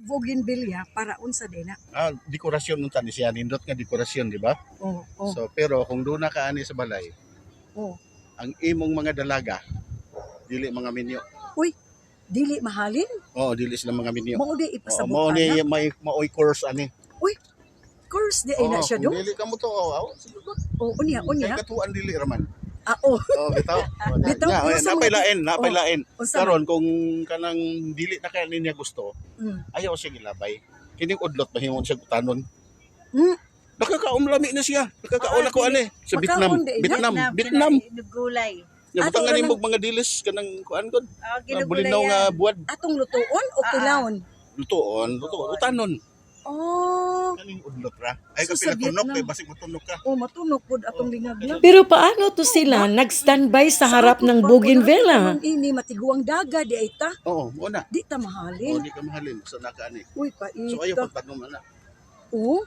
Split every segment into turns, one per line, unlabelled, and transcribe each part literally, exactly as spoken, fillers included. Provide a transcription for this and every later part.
bougainvillea para unsa din na.
Ah, dekorasyon unta ni siya, nindot nga dekorasyon, di ba?
Oh, oh,
So pero kung doon na ka ani sa balay,
oh.
ang imong mga dalaga dili mga minyo.
Uy, dili mahalin.
Oo, dili sila mga minyo.
Mao di
Oo,
ipasabot
mao ni
ana.
may maoy course ani.
Uy, course di ay na
Oo,
siya
kung
do.
dili ka mo to, oh, sige ba?
Oh, unya, unya.
Kay katuan dili raman.
Ah, oh.
Oh, bitaw. Oh,
Bitaw,
na,
pero sa
napay
mga-
lain, napay
Oh,
lain.
unsa
Karon kung kanang dili na kaya niya gusto,
Mm.
ayaw siya gilabay. Kining udlot mahimong siya utanon.
Hmm.
Nakakaumlami na siya. Nakakaon
Ah,
ako ani sa
Makaon
Vietnam.
di,
Vietnam,
Vietnam,
Vietnam.
kinain- Gulay.
Nabutangan
Ato
ni
lang-
mo mga dilis kanang kuan gud.
Oh,
Na
ginugulay
bulinaw nga
yan.
buwad.
Atong lutuon o
Ah,
kilawon?
Lutoon, lutoon, utanon.
Oh,
Kaning udlot ra. Ay
So,
ka
sa
pinatunok
Vietnam.
kay basig matunok ka.
oh matunog pud atong lingag na.
Pero paano to sila nag-standby sa harap ng bougainvillea?
Ang ini matiguang daga di ay ta.
Oo, mo na.
Di ta
Oh,
mahalin.
di ka mahalin sa naka ani.
Uy,
So ayaw
paita.
pagtanom ana.
Oh.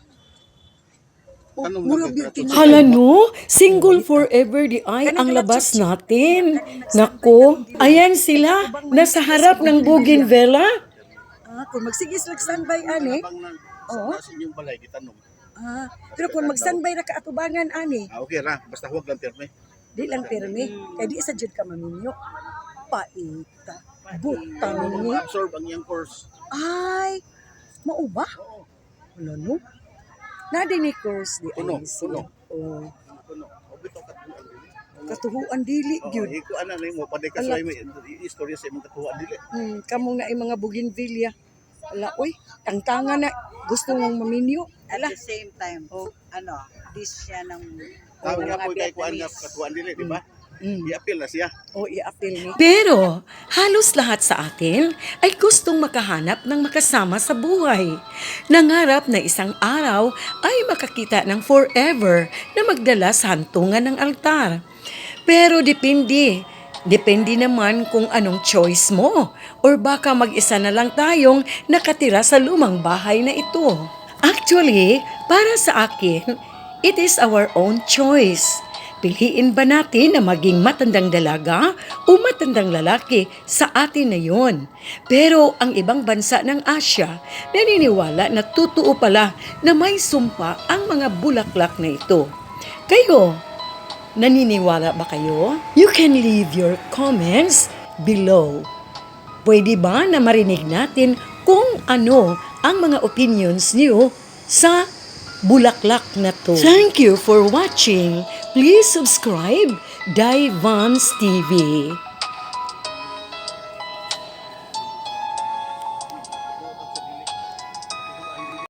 Oh,
Anong
mura
nagretrato
beauty
sa-
Hala no, single forever di ay ang labas natin. Nako, ayan sila, nasa harap ng bougainvillea.
Ah, kung magsigis lang standby ani.
Habang nang
Oo.
sa inyong balay gitanom.
Ah, pero kung mag-standby ra ka atubangan ani,
Ah, okay ra, basta huwag lang pirme.
di lang pirmi. Kay di sa jud ka maminyo. Paita. Buta ni.
Absorb ang iyang course.
Ay, mao ba?
Oo.
Wala no. Nadi ni course di
Puno,
ay sila.
puno.
Oh,
Kuno, obito ka tuan dili.
katuhuan dili
Oo,
gyud.
iko ana nimo paday ka sa imo istorya sa imong katuwa dili.
Hmm, kamong na ay mga bougainvillea. Ala, uy, tangtangan na. Gusto mong maminyo.
At
Ala,
the same time,
Oh.
ano, dish siya ng
Tawag
ng
nga
mga
po kay kuan nga
Vietnamese.
katuan dili, di ba?
mm,
I-appeal na siya.
o i-appeal ni.
Pero halos lahat sa atin ay gustong makahanap ng makasama sa buhay. Nangarap na isang araw ay makakita ng forever na magdala sa hantungan ng altar. Pero depende. Depende naman kung anong choice mo. Or baka mag-isa na lang tayong nakatira sa lumang bahay na ito. Actually, para sa akin, it is our own choice. Piliin ba natin na maging matandang dalaga o matandang lalaki sa atin na yon? Pero ang ibang bansa ng Asya, naniniwala na totoo pala na may sumpa ang mga bulaklak na ito. Kayo, naniniwala ba kayo? You can leave your comments below. Pwede ba na marinig natin kung ano ang mga opinions niyo sa bulaklak na to? Thank you for watching. Please subscribe Dai Vans T V.